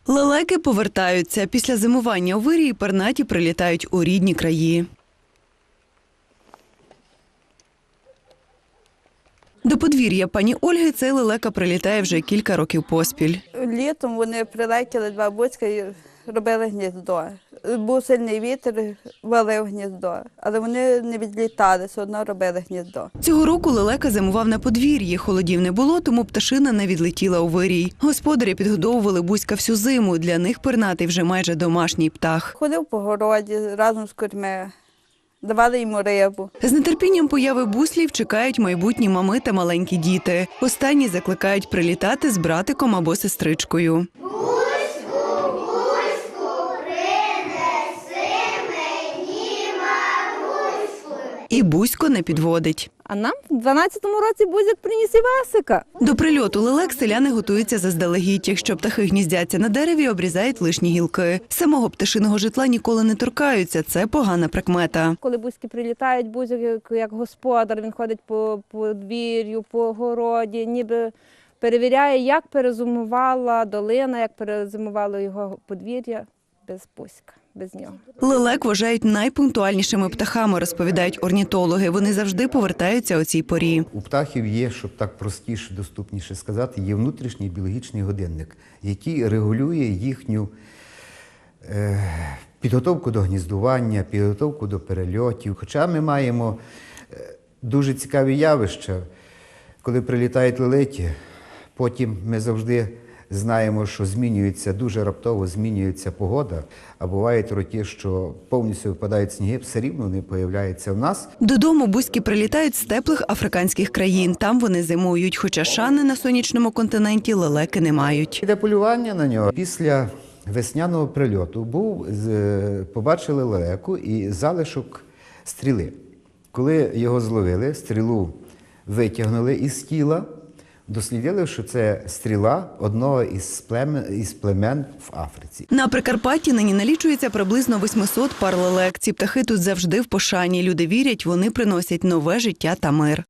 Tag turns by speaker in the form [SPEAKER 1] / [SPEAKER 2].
[SPEAKER 1] Лелеки повертаються. Після зимування у вирії пернаті прилітають у рідні краї. До подвір'я пані Ольги цей лелека прилітає вже кілька років поспіль.
[SPEAKER 2] Літом вони прилетіли, два буцька і робили гніздо. Був сильний вітер, валив гніздо, але вони не відлітали, все одно робили гніздо.
[SPEAKER 1] Цього року лелека зимував на подвір'ї. Холодів не було, тому пташина не відлетіла у вирій. Господарі підгодовували бузька всю зиму. Для них пернатий вже майже домашній птах.
[SPEAKER 2] Ходив по городі разом з курми, давали йому рибу.
[SPEAKER 1] З нетерпінням появи буслів чекають майбутні мами та маленькі діти. Останні закликають прилітати з братиком або сестричкою. І Бузько не підводить.
[SPEAKER 3] А нам в 12-му році Бузик приніс Івасика.
[SPEAKER 1] До прильоту лелек селяни готуються заздалегідь. Якщо птахи гніздяться на дереві, обрізають лишні гілки. Самого пташиного житла ніколи не торкаються. Це погана прикмета.
[SPEAKER 3] Коли бузьки прилітають, Бузик як господар, він ходить по подвір'ю, по городі, ніби перевіряє, як перезимувала долина, як перезимувало його подвір'я без Бузька. Без нього.
[SPEAKER 1] Лелек вважають найпунктуальнішими птахами, розповідають орнітологи. Вони завжди повертаються о цій порі.
[SPEAKER 4] У птахів є, щоб так простіше, доступніше сказати, є внутрішній біологічний годинник, який регулює їхню підготовку до гніздування, підготовку до перельотів. Хоча ми маємо дуже цікаві явища, коли прилітають лелеки, потім ми завжди знаємо, що змінюється, дуже раптово змінюється погода, а бувають роки, що повністю випадають сніги, все рівно не появляються в нас.
[SPEAKER 1] Додому бузьки прилітають з теплих африканських країн. Там вони зимують, хоча шани на сонячному континенті лелеки не мають.
[SPEAKER 4] Для полювання на нього після весняного прильоту побачили лелеку і залишок стріли. Коли його зловили, стрілу витягнули із тіла, дослідили, що це стріла одного із племен в Африці.
[SPEAKER 1] На Прикарпатті нині налічується приблизно 800 пар лелек. Ці птахи тут завжди в пошані. Люди вірять, вони приносять нове життя та мир.